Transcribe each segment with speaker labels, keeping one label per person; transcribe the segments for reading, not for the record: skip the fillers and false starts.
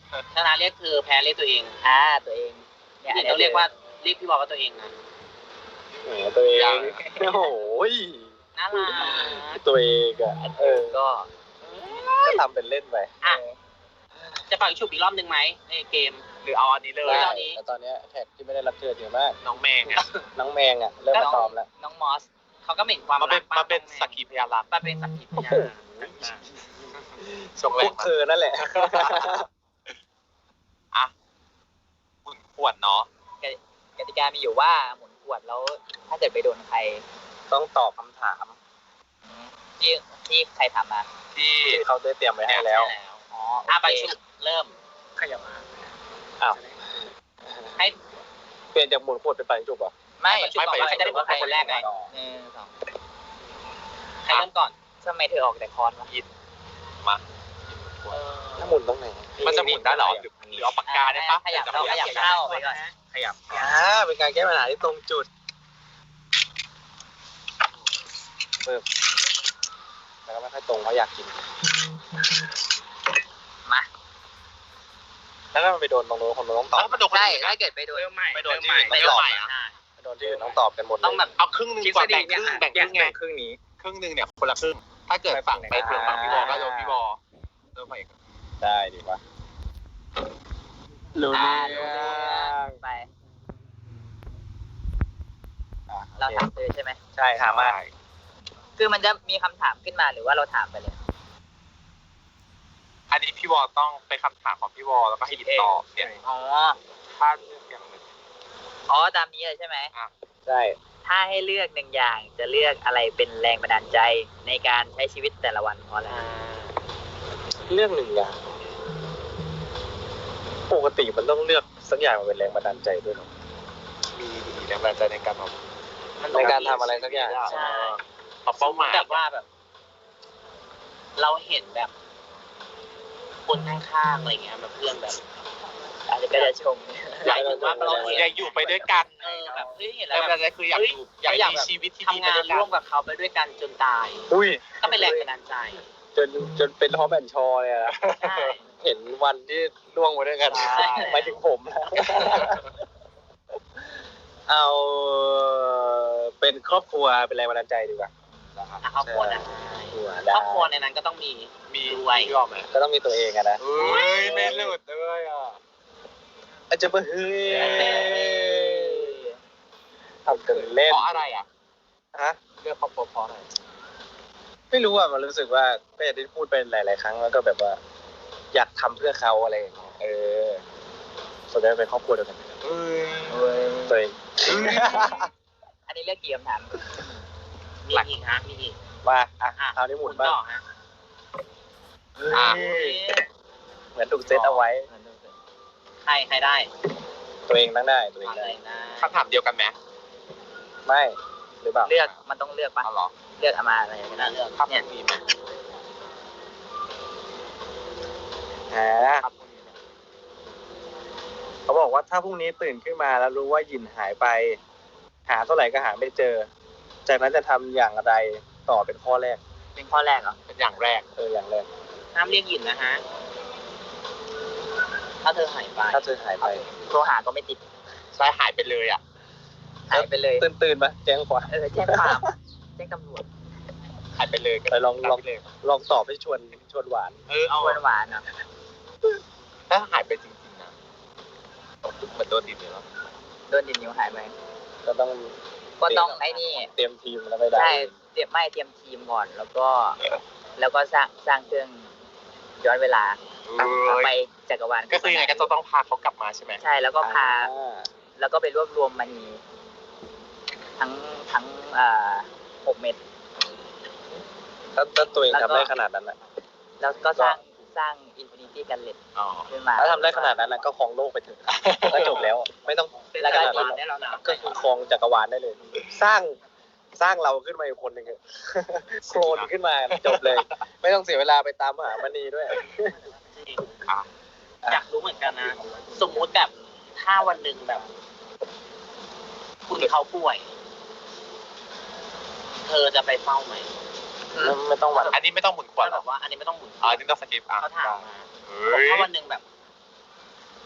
Speaker 1: ชนะเรียกเธอแพ้เรียกตัวเอง
Speaker 2: ตัวเองเนี่ย
Speaker 1: ต้องเรียกว่าเรียกพี่บอลว่าตัวเองนะ
Speaker 3: ตัวเองโอ้โห
Speaker 1: น่ารัก
Speaker 3: ตัวเองอ่ะ
Speaker 2: ก็
Speaker 3: ทำเป็นเล่นไป
Speaker 1: จะฝากฉุบอีกรอบนึงไหมในเกม
Speaker 4: หรือเอาอันนี้เลย
Speaker 3: แล้วตอนนี้แท็กที่ไม่ได้รับเชิญเยอะมาก
Speaker 4: น้องแมงอ่ะ
Speaker 3: น้องแมงอ่ะเริ่มมาตอมแล้ว
Speaker 2: น้องมอส
Speaker 1: เขาก็เหม็นความรัก
Speaker 4: มาเป็นสักขีพยานรัก
Speaker 1: มาเป็นสักขีพยาน
Speaker 4: ส่งแร
Speaker 3: พว
Speaker 4: ง
Speaker 3: กเธอนั่นแหละ
Speaker 4: อ่ะหมุนขวดเนาะ
Speaker 2: กติกามีอยู่ว่าหมุนขวดแล้วถ้าเกิดไปโดนใคร
Speaker 3: ต้องตอบคำถาม
Speaker 2: ที่ใครถามมา
Speaker 4: ที่
Speaker 3: เขาได้เตรียมไว้ให้แล้ว
Speaker 1: ไปฉุบเริ่ม
Speaker 4: ขยับมา
Speaker 3: อ้าว
Speaker 1: ให้
Speaker 3: เปลี่ยนจากหมุนขวดเป็นไปจุบอ่ะ
Speaker 2: ไม่
Speaker 1: ฉุบก่อนว่าใครจะได้เป็นคนแรกไง
Speaker 2: 1 2
Speaker 1: ใครเริ่มก่อน
Speaker 2: ทำไมเธอออกแต่คอนวะ
Speaker 4: มา
Speaker 3: ถ้าหมุนตรงไหน
Speaker 4: มันจะหมุนได้หรอหรือเอาปากกาได้ปะ
Speaker 2: ขยับเข้าไปก่อน
Speaker 4: ขยับ
Speaker 3: เป็นการแก้ปัญหาที่ตรงจุดเพิ่มแต่ก็ไม่ค่อยตรงเพราะอยากกิน
Speaker 2: มา
Speaker 3: แล้วถ้ามันไปโดนตรงโน้นคนโน้นต้องตอบ
Speaker 4: มันโดน
Speaker 2: ใช่ถ้าเกิดไปโดน
Speaker 4: ไม่โดนที่อื่นไม่ตอบ
Speaker 3: ไปโดนที่อื่นต้องตอบกันหมดเลย
Speaker 1: ต้องแบบ
Speaker 4: เอาครึ่งนึงก่อนแบ่งครึ่งแบ่งครึ่งไง
Speaker 3: ครึ่งนี้
Speaker 4: ครึ่งนึงเนี่ยคนละครึ่งถ้าเกิดฝั่งไปเผื่อฝั่งพี่บอลก็โดนพี่บอลเริ่มไปอีก
Speaker 3: ได้ดีวะรู้
Speaker 2: รู้เรื่องไป เราถามเธอใช่ไหม
Speaker 3: ใช่ถามมา
Speaker 2: คือมันจะมีคำถามขึ้นมาหรือว่าเราถามไปเลย
Speaker 4: อันนี้พี่บอลต้องเป็นคำถามของพี่บอลแล้วก็ให้ยินตอบเนี่ย
Speaker 2: อ๋อ
Speaker 4: ถ้าเลือกอย่างหนึ่ง
Speaker 2: ตามนี้เลยใช่ไหม
Speaker 3: ใช่
Speaker 2: ถ้าให้เลือก1 อย่างจะเลือกอะไรเป็นแรงบันดาลใจในการใช้ชีวิตแต่ละวันเพราะอะไร
Speaker 3: เรื่อง1 อย่างปกติมันต้องเลือกสักอย่างมาเป็นแรงบันดาลใจด้วยหรอ
Speaker 4: มีแรงบันดาลใจในการแบบ
Speaker 3: ในการทำอะไรสักอย่าง
Speaker 1: ใช่
Speaker 4: ปรับเป้าหมาย
Speaker 1: แบบว่าแบบ เราเห็นแบบ คนข้างๆอะไรเงี้ยแบบเพื่อนแบบ
Speaker 2: อาจจะก็จะชม
Speaker 1: อยากเห็นว่าเราเห็น
Speaker 4: อยากอยู่ไปด้วยกัน
Speaker 1: แบบเฮ้ยเห็น
Speaker 4: แร
Speaker 1: แล้ว
Speaker 4: ง
Speaker 1: แบ
Speaker 4: บัน
Speaker 1: บ
Speaker 4: ดาลใจคืออยากอยู่อยากมีชีวิตที่ดี
Speaker 1: ทำงาน
Speaker 4: ไปด้วยกัน
Speaker 1: ร่วมกับเขาไปด้วยกันจนตาย
Speaker 3: อุ้ย
Speaker 1: ก็เป็นแรงบันดาลใจ
Speaker 3: จนเป็นฮอปแอนชอเลยนะ
Speaker 1: ใช่
Speaker 3: เห็นวันที่ล่วงไปด้วยกัน
Speaker 1: ใช่
Speaker 3: หมายถึงผมนะเอาเป็นครอบครัวเป็นแรงบันดาลใจดีกว่า
Speaker 1: ครอบครัวนะ
Speaker 3: ได้
Speaker 1: ครอบครัวในนั้นก็ต้องมี
Speaker 4: มี
Speaker 1: รวย
Speaker 4: พี่บอลไหม
Speaker 3: ก็ต้องมีตัวเองอะนะ
Speaker 4: เฮ้ยไม่หลุดด้วยอ่ะ
Speaker 3: อาจจะมาเฮ้ยทำกันเล่น
Speaker 4: เพราะอะไรอ่ะ
Speaker 3: ฮะ
Speaker 4: เลือกครอบครัวเพราะอะไร
Speaker 3: ไม่รู้อ่ะมันรู้สึกว่าก็อย่างที่พูดไปหลายๆครั้งแล้วก็แบบว่า อยากทำเพื่อเขาอะไรอย่างเงี้ยส่วนใหญ่เป็นครอบครัวเดียวกัน
Speaker 4: เฮ้ย
Speaker 3: ตัวเอง
Speaker 2: อันนี้เลือกกี่คำถาม
Speaker 1: มีอีกฮะมีอีก
Speaker 3: มาคราวนี้หมุนบ้าง
Speaker 1: ต่อฮะ
Speaker 3: เฮ้ยเหมือนถูกเซตเอาไว้
Speaker 1: ใครได้
Speaker 3: ตัวเองตั้งได้ตัวเอง
Speaker 1: เล
Speaker 3: ได้
Speaker 1: ยนะ
Speaker 4: คำถามเดียวกันไหม
Speaker 3: ไม่หรือเปล่า
Speaker 2: เลือกมันต้องเลือกปะ
Speaker 4: อ๋อเหรอ
Speaker 2: เลือกเอามาอะไรก็ได้
Speaker 1: เลือก
Speaker 4: ครับมีไหม ครับ
Speaker 3: เขาบอกว่าถ้าพรุ่งนี้ตื่นขึ้นมาแล้วรู้ว่าหยินหายไป หาเท่าไหร่ก็หาไม่เจอ จากนั้นจะทำอย่างไรต่อเป็นข้อแรก
Speaker 2: เป็นข้อแรกเหรอ
Speaker 4: เป็นอย่างแรก
Speaker 3: อย่างแรก
Speaker 1: ห้ามเรียกหยินนะฮะถ้าเธอหายไป
Speaker 3: ถ้าเธอหายไป
Speaker 2: โทรหาก็ไม่ติด
Speaker 4: ใช่หายไปเลยอ่ะ
Speaker 2: หายไปเลย
Speaker 3: ตื่นมาแจ้งความ
Speaker 2: แจ้งความแจ้งตำรวจ
Speaker 4: หายไปเลย
Speaker 3: ไปลอง
Speaker 4: เลย
Speaker 3: ลองตอบให้ชวนหวาน
Speaker 4: เอา
Speaker 2: หวานๆเนาะ
Speaker 4: ถ้าหายไปจริงๆนะเหมือนโดนดินเลยแล้ว
Speaker 2: โดนดินนิ้วหายไป
Speaker 3: ก็ต้อง
Speaker 2: ก็ต้องไอ้นี่
Speaker 3: เตรียมทีมแล้วไม่ได้
Speaker 2: ใช่เตรียมทีมก่อนแล้วก็สร้างเครื่องย้อนเวลาไปจักรวาล
Speaker 4: ก็คือยังไงก็จะต้องพาเขากลับมาใช่ไหม
Speaker 2: ใช่แล้วก็พาแล้วก็ไปรวบรวมมณีทั้ง6 เม็ด
Speaker 3: ถ้าตัวเองทำได้ขนาดนั้นนะ
Speaker 2: แล้วก็สร้างอินฟินิตี้กันเล็ต
Speaker 4: อ๋อ
Speaker 2: ขึ้นมา
Speaker 3: ถ้าทำได้ขนาดนั้นนะก็ครองโลกไปเถอะก็จบแล้ว ไม่ต้อง
Speaker 2: แล้วก็
Speaker 3: ขนาดนั้น
Speaker 1: ได้แล้วนะ
Speaker 3: ก็คือครองจักรวาลได้เลย สร้างเราขึ้นมาอีกคนหนึ่งโคลนขึ้นมาจบเลย ไม่ต้องเสียเวลาไปตามหามณีด้วย
Speaker 1: อยากรู้เหมือนกันนะ สมมุติแบบถ้าวันหนึ่งแบบ คุณเขาป่วย เธอจะไปเฝ้าไหม
Speaker 3: ไม่ต้องหวั่น
Speaker 4: อันนี้ไม่ต้องหมุนขวด
Speaker 1: เขา
Speaker 4: หร
Speaker 1: บอก อกว่า อันนี้ไม่ต้องหมุน
Speaker 4: อันนี้ต้องสกิปอ่ะ
Speaker 1: เขาถามมา
Speaker 4: เฮ้ย
Speaker 1: ถ้าวันหนึ่งแบบ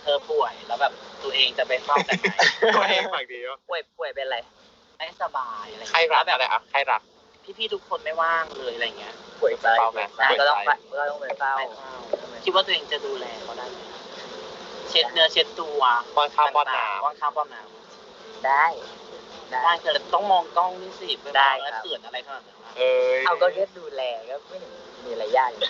Speaker 1: เธอป่วยแล้วแบบตัวเองจะไปเฝ้าแต่ไหน
Speaker 4: ตัวเองฝั่งเดียว
Speaker 2: ป่วยเป็นอะไร
Speaker 1: ไม่สบายอะไร
Speaker 4: ใครรัก
Speaker 1: แบ
Speaker 4: อะไร
Speaker 1: บ
Speaker 4: อ่ะใครรัก
Speaker 1: พี่ๆทุกคนไม่ว่างเลยอะไรเงี้ย
Speaker 3: ป่วยใจ
Speaker 4: เฝ้าไหม
Speaker 2: ก็ต้องไปเฝ้า
Speaker 1: ไม่เฝ้าคิดว่าตัวเองจะดูแลเขาได้ไหมเช็ดเนื้อเช็ดตัว
Speaker 4: ป้อนข้าวป้อนน้
Speaker 1: ป้อนข้าวป้อนน้
Speaker 2: ได้
Speaker 1: ได้คือต้องมองกล้องนี่สิไป
Speaker 2: ได้
Speaker 1: แล้ว
Speaker 2: ครับ
Speaker 1: เขินอะไรขนาดนั้นวะ
Speaker 4: ำเอ้ย
Speaker 2: เอาก็แค่ดูแลก็ไม่เห็นมีอะไรยากเลย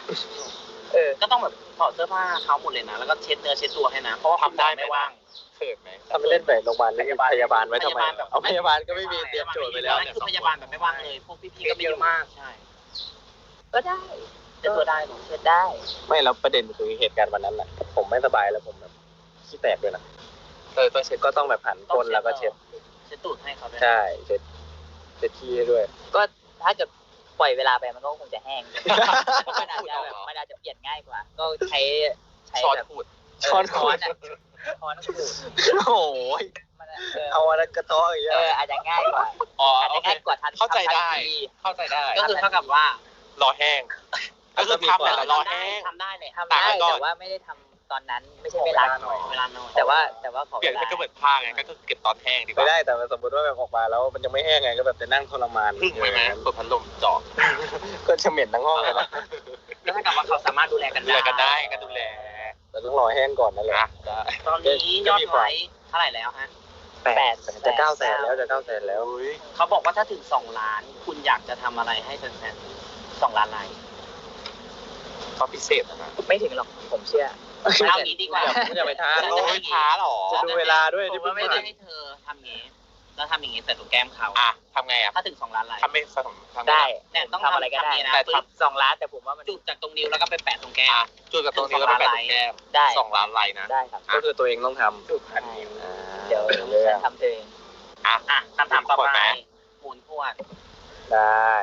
Speaker 1: ก็ต้องแบบถอดเสื้อผ้าเขาหมดเลยนะแล้วก็เช็ดเนื้อเช็ดตัวให้นะเพราะว่าคุณหมอไม่ว่าง
Speaker 4: เขินไหม
Speaker 3: ทำไปเล่นไปโรงพยาบาลแล้วพยาบาลไว้ทำไม
Speaker 1: พยาบาลแบบ
Speaker 3: เอาพยาบาลก็ไม่มีเตรียมโจทย์ไปแล้ว
Speaker 1: นั่นคือพยาบาลแบบไม่ว่างเลยพวกพี่ๆก็ไม่อยู่ใช่
Speaker 2: ก็ได้
Speaker 1: เช็ดตัวได้หรอ
Speaker 2: เช็ดได้
Speaker 3: ไม่แล้วประเด็นคือเหตุการณ์วันนั้นน่ะ ผมไม่สบายแล้วผมแบบขี้แตกด้วยนะ
Speaker 4: ต้องเช็ด
Speaker 3: ก็ต้องแบบหันก้นแล้วก็เช็ด
Speaker 1: เช็ดตูดให้เขาด้วย
Speaker 3: ใช่เช็ดขี้ให้ด้วย
Speaker 2: ก็ถ้าเกิดปล่อยเวลาไปมันก็คงจะแห้งมันอาจจะแบบมันอาจจะเปลี่ยนง่ายกว่า ก็ใช้
Speaker 4: ช้อน
Speaker 2: แบบ
Speaker 4: ขูด
Speaker 3: ช้อนขูด
Speaker 2: ช้อนขูด
Speaker 3: โอ้ย
Speaker 2: มัน
Speaker 3: เอาอะไรกระเท้ออย่างเงี้ย
Speaker 2: อาจจะง่ายกว่า
Speaker 4: อ๋อ
Speaker 2: อาจ
Speaker 4: โอ
Speaker 2: จะ
Speaker 4: เค
Speaker 2: ง่ายกว่าทัน
Speaker 4: เข้าใจได้
Speaker 2: ทันที
Speaker 4: เข้าใจได้
Speaker 1: ก็คือเท่ากับว่าร
Speaker 4: อแห้งก็คือทำแต่ละรอแห้ง
Speaker 1: ทำได้เลย
Speaker 2: ทำได้
Speaker 4: ตากไว้ก่อน
Speaker 2: แต่ว่าไม่ได้ทำตอนนั้นไม่ใช่เวลาหน่อย
Speaker 1: เวลาน้อย
Speaker 2: แต่ว่าขอ
Speaker 4: เปลี่ยน
Speaker 2: เวลา
Speaker 4: ให้ก็เหมือนผ้าไงก็คือเก็บตอนแห้งดีก
Speaker 3: ไม่
Speaker 4: ว่า
Speaker 3: ได้แต่สมมติว่าแบบออกมาแล้วมันยังไม่แห้งไงก็แบบจะนั่งทรมาน
Speaker 4: พึ่งไว้ไหมเปิดพัดลมเจาะ
Speaker 3: ก็จะเหม็นทั้งห้องเลยนะ
Speaker 1: ก็เท่ากับว่าเขาสามารถดูแลกัน
Speaker 4: ดูแลกันได้ก็ดูแล
Speaker 3: แต่ต้องรอแห้งก่อนนั่นแหละ
Speaker 4: นะได้
Speaker 1: ตอนนี้ยอดไลค์เท่าไหร่แล้วฮะ
Speaker 3: จะ900,000แล้วจะ900,000แล้ว
Speaker 4: อุ้ย
Speaker 1: เขาบอกว่าถ้าถึง2 ล้าน คุณอยากจะทำอะไรให้แฟนๆ2 ล้านไลค์
Speaker 4: เขาพิเศษนะ
Speaker 2: ไม่ถึงหรอกผมเชื่อ
Speaker 1: เอางี้ดีกว่า
Speaker 3: อย่าไปท้า
Speaker 4: โอ้ยช้าหรอ
Speaker 3: จะดูเวลาด้วย
Speaker 1: ผม
Speaker 3: ที่
Speaker 1: ว่าไม่
Speaker 3: ไม่
Speaker 1: ได้
Speaker 3: ได้
Speaker 1: ให้เธอทำอย่างนี้แล้วทำอย่างนี้ใส่ตัวแก้มเขา
Speaker 4: อ่ะทำไงอ่ะ
Speaker 1: ถ้าถึง2 ล้านไลค์
Speaker 4: ทำไม่สนทำ
Speaker 2: ได้
Speaker 1: เนี่ยต้อง
Speaker 2: ทำอะไรก็ได้
Speaker 1: ทำอย่างนี้นะ
Speaker 4: แต่
Speaker 1: ปึ๊บ
Speaker 2: 2 ล้านแต่ผมว่ามัน
Speaker 1: จุดจากตรงนิ้วแล้วก็ไปแปะตรงแก้ม
Speaker 4: อ่ะจุดกับตรงนี้ก็ไปแปะตรงแก้ม
Speaker 2: ได้
Speaker 4: 2 ล้านไลน์นะ
Speaker 2: ได้ครับ
Speaker 3: ก็คือตัวเองต้องทำ
Speaker 4: จุดพันนิ้ว
Speaker 2: เดี๋ยวฉันทำเอง
Speaker 4: อ่ะ
Speaker 1: อ่ะคำถามต่อ
Speaker 4: ขวด
Speaker 1: ไป
Speaker 4: ไหม
Speaker 1: หมุนขวด
Speaker 3: ได้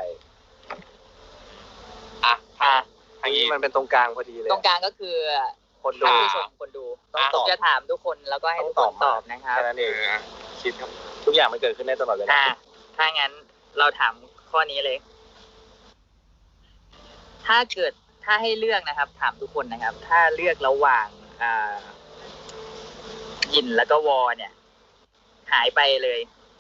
Speaker 4: อ่ะ
Speaker 2: อ่ะ
Speaker 3: อันนี้มันเป็นตรงกลางพอดีเลย
Speaker 2: ตรงกลางก็คือ
Speaker 3: คนดู
Speaker 2: ท่านผู้ชมคนดู
Speaker 3: ต้องตอบ
Speaker 2: จะถามทุกคนแล้วก็ให้ทุกคนตอบนะครับ
Speaker 3: แค่นั้นเองคิดครับทุกอย่างมันเกิดขึ้นได้ตลอดเวลา
Speaker 2: ถ้างั้นเราถามข้อนี้เลย ถ้าให้เลือกนะครับ ถามทุกคนนะครับ ถ้าเลือกระหว่างยินแล้วก็วอเนี่ย หายไปเลย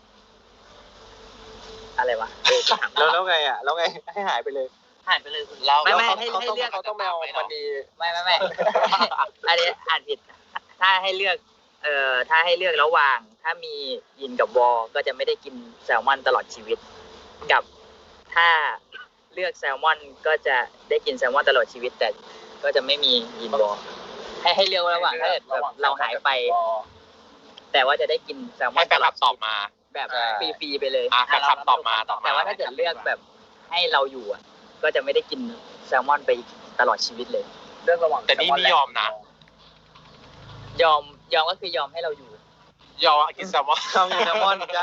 Speaker 2: อะไรวะจะถาม
Speaker 3: แล้วไงอ่ะแล้วไงให้หายไปเลย
Speaker 1: หายไปเลยคุณ
Speaker 4: เรา
Speaker 2: ไม่
Speaker 3: แล้ว
Speaker 2: ให้
Speaker 3: เขาต้อง
Speaker 2: เลือก
Speaker 3: เขาต้องไปเอามันดี
Speaker 2: ไม่ อันนี้อ่านผิด ถ้าให้เลือก ถ้าให้เลือกระหว่าง ถ้ามียินกับวอก็จะไม่ได้กินแซลมอนตลอดชีวิต กับถ้าเลือกแซลมอนก็จะได้กินแซลมอนตลอดชีวิต แต่ก็จะไม่มียินวอให้เลือกระหว่างถ้าเกิดแบบเราหายไป แต่ว่าจะได้กินแซลมอ
Speaker 4: ให้
Speaker 2: น
Speaker 4: แฟ
Speaker 2: ต
Speaker 4: น
Speaker 2: ล
Speaker 4: ค
Speaker 2: อ
Speaker 4: ลั
Speaker 2: ด
Speaker 4: บตอบมา
Speaker 2: แบบฟรีๆไปเลย
Speaker 4: อ่ะแฟนคลับตอบมา
Speaker 2: แต่ว่าถ้าเกิดเลือกแบบให้เราอยู่อ่ะ ก็จะไม่ได้กินแซลมอนไปตลอดชีวิตเลย
Speaker 1: เลือกระหว่าง
Speaker 4: แต่นี่ไม่ยอมนะ
Speaker 2: ยอมก็คือยอมให้เราอยู่
Speaker 4: ยอมกินแซลมอน
Speaker 3: ทำแซลมอนใช่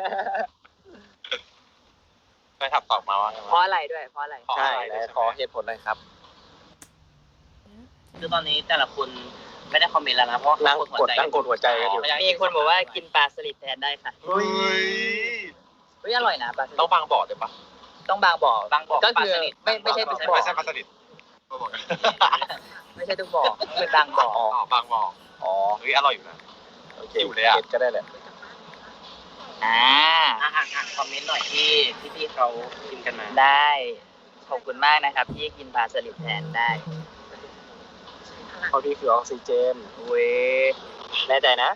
Speaker 4: แฟนคลับตอบมาว่าไง
Speaker 2: เพราะอะไรด้วย เพราะอะไร
Speaker 3: ใช่แล้วขอเหตุผลหน่อยครับ
Speaker 1: คือตอนนี้แต่ละคนไม่ได้คอมเมนต์แล้วนะเพราะว่า
Speaker 3: นั่ง
Speaker 1: เขา
Speaker 3: กดหัวใจกันอยู่
Speaker 2: มีคนบอกว่ากินปลาสลิดแทนได้ค่ะ
Speaker 4: เฮ้ย
Speaker 2: เฮ้ยอร่อยนะปลาสลิด
Speaker 4: ต้องบางบ่อด้วยปะ
Speaker 2: ต้องบางบ่อบ
Speaker 1: างบอก
Speaker 2: ก็คือ
Speaker 1: ปลาสลิด
Speaker 2: ไม่ใช่ทุกบ่อ
Speaker 4: ไม่ใช่ปลาสลิดบ่อ
Speaker 2: ไม่ใช่ทุกบ่อเป็นบางบ่อ
Speaker 4: อ๋อบางบ่อ
Speaker 3: อ๋อ
Speaker 4: เฮ้ยอร่อยอยู่นะ
Speaker 3: โอเค
Speaker 4: อยู่เลยอะ
Speaker 3: เก็ตก็ได้แหละ
Speaker 2: อ่า
Speaker 1: อ่านคอมเมนต์หน่อยที่พี่เขาพิมพ์กันมา
Speaker 2: ได้ขอบคุณมากนะครับที่กินปลาสลิดแทนได้
Speaker 3: เขาที่คือออกซิเจน
Speaker 2: เว้ย
Speaker 3: แน่ใจนะ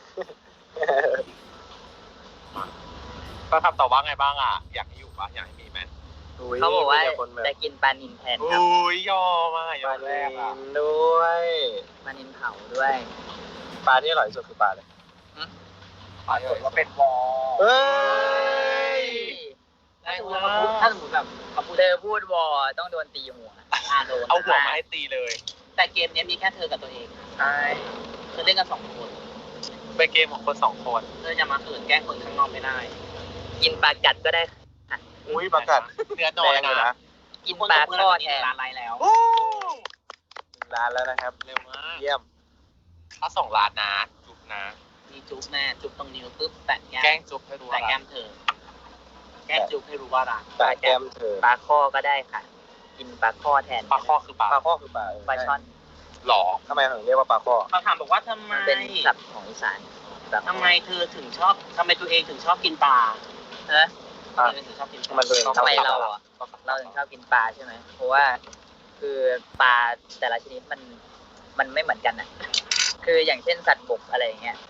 Speaker 4: แฟนคลับตอบว่าไงบ้างอ่ะ อยากให้อยู่ปะอยากให้มีไหม
Speaker 2: เขาบอกว่า
Speaker 3: มีแต่คนแบบ
Speaker 2: จะกินปลานินแทนครับ
Speaker 4: อุ้ยยอมอ่ะยอ
Speaker 3: ปลาม
Speaker 4: แร
Speaker 3: นิ
Speaker 4: กอ่ะ
Speaker 3: นด้วย
Speaker 2: ปลานินเผาด้วย
Speaker 3: ปลาที่อร่อยที่สุดคือปลาเลย
Speaker 1: ปรากฏว่าเป็นวอ
Speaker 3: เฮ้ย
Speaker 1: ถ้าสมมติแบบเขาพูด
Speaker 2: เธอพูดวอต้องโดนตีหัว
Speaker 1: โดน
Speaker 4: เอาหัวมาให้ตีเลย
Speaker 1: แต่เกมนี้มีแค่เธอกับตัวเอง
Speaker 2: ใช่
Speaker 1: คือเล่นกัน2 คน
Speaker 4: เป็นเกมของคนสองคน
Speaker 1: เธอจะมาขืนแกล้งคนข้างนอกไม่ได้
Speaker 2: กินปลากัดก็ได้
Speaker 3: อุ้ยประกาศ
Speaker 4: เนื้อน้อย
Speaker 3: แรงเลย
Speaker 4: นะ
Speaker 3: นะ
Speaker 2: กินปลาทอดแทน
Speaker 1: ร้านไรแล้ว
Speaker 4: โอ้
Speaker 3: ร้านแล้วนะครับ
Speaker 4: เร็วมาก
Speaker 3: เยี่ยม
Speaker 4: ถ้า2 ล้านนะจุบนะ
Speaker 1: มีจุ๊บแน่จุ๊บตรงนิ้วปุ๊บแตะแก้
Speaker 4: แกล้ง
Speaker 1: ม
Speaker 4: จุบให้รู้
Speaker 1: แตะ
Speaker 4: ว่า
Speaker 1: แก้มเธอ แก้มจุ๊บให้รู้ว่ารัก
Speaker 3: ปลาแก้มเธอ
Speaker 2: ปลาข้อก็ได้ค่ะ กินปลาข้อแทน
Speaker 4: ปลาข้อคือปลา
Speaker 3: ปลาข้อคือปลา
Speaker 2: ปลาช่อน
Speaker 4: หรอ
Speaker 3: ทำไมถึงเรียกว่าปลาข้อ
Speaker 1: เขาถามบอกว่าทำไม
Speaker 2: มันเป็นศัพท์ของอีสานแบบ
Speaker 1: ทำไมเธอถึงชอบทำไมตัวเองถึงชอบกินปลา
Speaker 2: เออ
Speaker 1: ทำไมถึงชอบกินปลา
Speaker 3: มันตัวเอง
Speaker 2: ทำไมเราอ่ะเราถึงชอบกินปลาใช่ไหมเพราะว่าคือปลาแต่ละชนิดมันไม่เหมือนกันอ่ะ คืออย่างเช่นสัตว์บกอะไรอย่างเงี้ย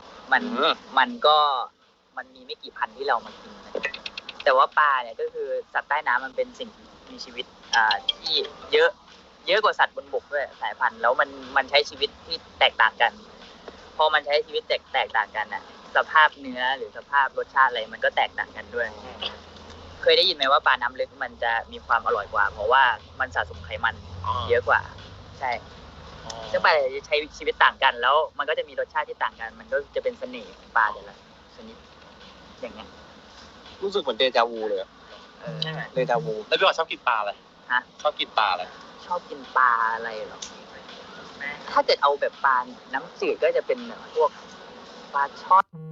Speaker 2: มันมีไม่กี่พันที่เรามากินนะแต่ว่าปลาเนี่ยก็คือสัตว์ใต้น้ำมันเป็นสิ่งมีชีวิตที่เยอะกว่าสัตว์บนบกด้วยสายพันธุ์แล้วมันใช้ชีวิตที่แตกต่างกัน พอมันใช้ชีวิตแตกต่างกันน่ะ สภาพเนื้อหรือสภาพรสชาติอะไรมันก็แตกต่างกันด้วย เคยได้ยินไหมว่าปลาน้ำลึกมันจะมีความอร่อยกว่า เพราะว่ามันสะสมไขมันเยอะกว่า ใช่ซึ่งปลาจะใช้ชีวิตต่างกันแล้วมันก็จะมีรสชาติที่ต่างกัน มันก็จะเป็นเสน่ห์ของปลาแต่ละชนิดอย่างเงี้ย
Speaker 3: รู้สึกเหมือนเดจาวูเลยอะ
Speaker 1: ใช่ไหม
Speaker 3: เดจาวู
Speaker 4: แล้วพี่บอกชอบกินปลาอะไร
Speaker 2: ฮะ
Speaker 4: ชอบกินปลาอะไร
Speaker 2: ชอบกินปลาอะไรเหรอ ถ้าเกิดเอาแบบปลาน้ำจืดก็จะเป็นพวกปลาช่อน